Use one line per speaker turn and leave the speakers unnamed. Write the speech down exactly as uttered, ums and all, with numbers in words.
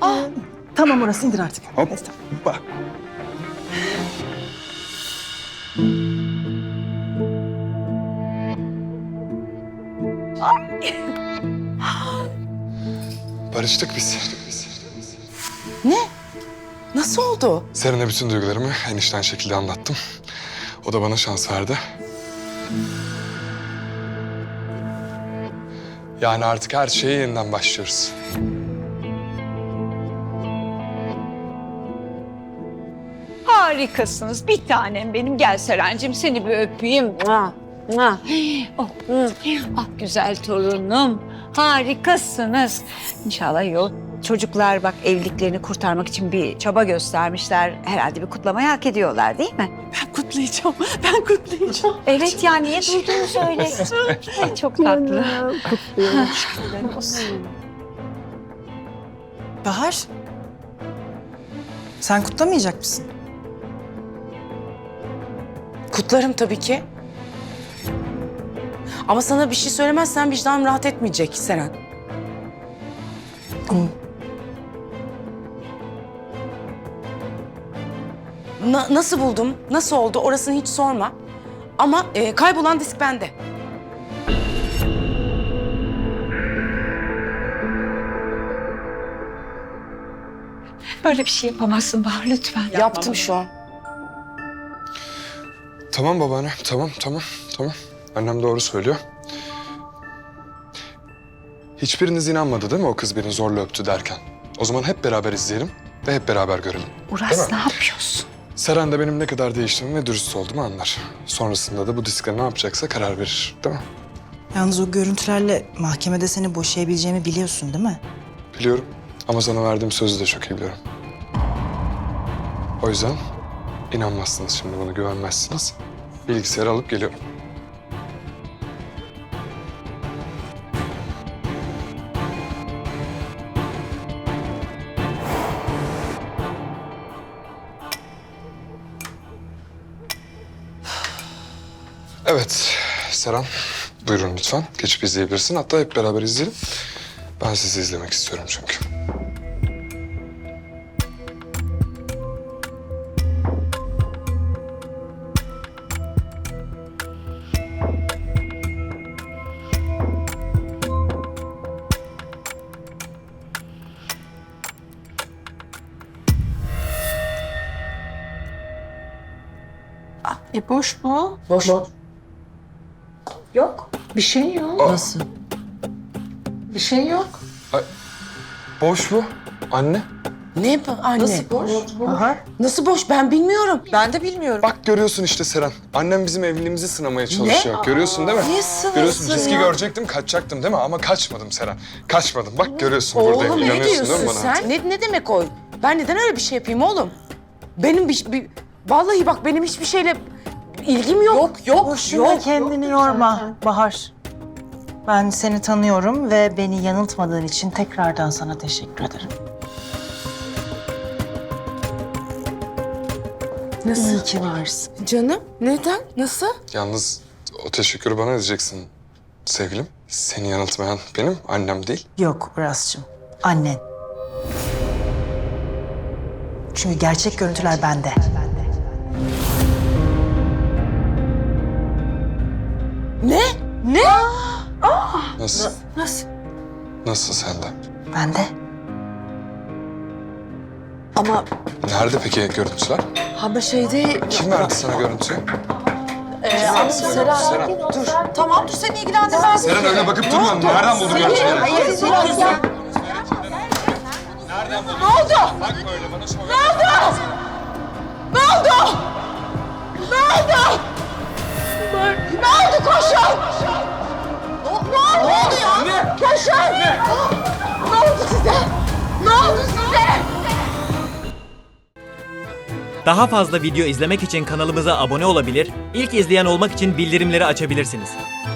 Ah. Tamam orası indir artık.
Hop.
Evet, tamam.
Bak. Barıştık biz.
Ne? Nasıl oldu?
Seren'e bütün duygularımı en içten şekilde anlattım. O da bana şans verdi. Yani artık her şeye yeniden başlıyoruz.
Harikasınız. Bir tanem benim. Gel Serencim seni bir öpeyim. Mua, mua. Oh, ah güzel torunum. Harikasınız. İnşallah iyi olur. Çocuklar bak evliliklerini kurtarmak için bir çaba göstermişler. Herhalde bir kutlamayı hak ediyorlar değil mi?
Ben kutlayacağım. Ben kutlayacağım.
Evet ya niye duydunuz öyle? Ay, çok tatlı.
Bahar. Sen kutlamayacak mısın?
Kutlarım tabii ki. Ama sana bir şey söylemezsen vicdanım rahat etmeyecek Seren. Na- nasıl buldum, nasıl oldu orasını hiç sorma. Ama e, kaybolan disk bende.
Böyle bir şey yapamazsın Bahar lütfen.
Yaptım şu an.
Tamam babaanne, tamam, tamam, tamam. Annem doğru söylüyor. Hiçbiriniz inanmadı değil mi o kız beni zorla öptü derken? O zaman hep beraber izleyelim ve hep beraber görelim. Değil
Uras
mi?
ne yapıyorsun?
Seren de benim ne kadar değiştiğimi ve dürüst olduğumu anlar. Sonrasında da bu diskle ne yapacaksa karar verir, değil mi?
Yalnız o görüntülerle mahkemede seni boşayabileceğimi biliyorsun değil mi?
Biliyorum ama sana verdiğim sözü de çok iyi biliyorum. O yüzden inanmazsınız şimdi bana, güvenmezsiniz. Bilgisayarı alıp geliyorum. Evet, Seren. Buyurun lütfen. Geçip izleyebilirsin. Hatta hep beraber izleyelim. Ben sizi izlemek istiyorum çünkü.
E boş mu?
Boş.
Yok. Bir şey yok.
Nasıl?
Bir şey yok.
Boş mu? Anne?
Ne bu anne?
Nasıl boş?
Bahar.
Nasıl boş? Ben bilmiyorum.
Ben de bilmiyorum.
Bak görüyorsun işte Seren. Annem bizim evliliğimizi sınamaya çalışıyor. Görüyorsun değil mi?
Niye sınırsın
Görüyorsun. Riski
ya?
görecektim, kaçacaktım değil mi? Ama kaçmadım Seren. Kaçmadım. Bak görüyorsun buradayım.
Oğlum ne
İnanıyorsun değil
diyorsun
mi bana?
sen? Ne, ne demek o? Ben neden öyle bir şey yapayım oğlum? Benim bir, bir... Vallahi bak benim hiçbir şeyle ilgim yok. Yok, yok,
Boşuna kendini yorma Bahar. Ben seni tanıyorum ve beni yanıltmadığın için tekrardan sana teşekkür ederim.
Nasıl?
İyi ki varsın.
Canım, neden? Nasıl?
Yalnız o teşekkürü bana edeceksin sevgilim. Seni yanıltmayan benim, annem değil.
Yok Uras'cığım, annen. Çünkü gerçek görüntüler bende.
Ne? Ne?
Nasıl?
Nasıl?
Nasıl sende?
Bende.
Ama
Nerede peki görüntüler?
ama şeyde...
Kim verdi sana görüntüyü?
Seren,
Seren.
dur. Tamam dur seni ilgilendirmez.
Seren öyle bakıp durma. Nereden buldun görüntüleri?
Hayır, Seren ya.
Ne oldu? Bakma öyle bana şov yapma.
Ne oldu? Ne oldu? Ne oldu koşun? Ne, ne oldu? Ne oldu ya? Ne? Koşun! Ne? Ne oldu size? Ne oldu size?
Daha fazla video izlemek için kanalımıza abone olabilir, ilk izleyen olmak için bildirimleri açabilirsiniz.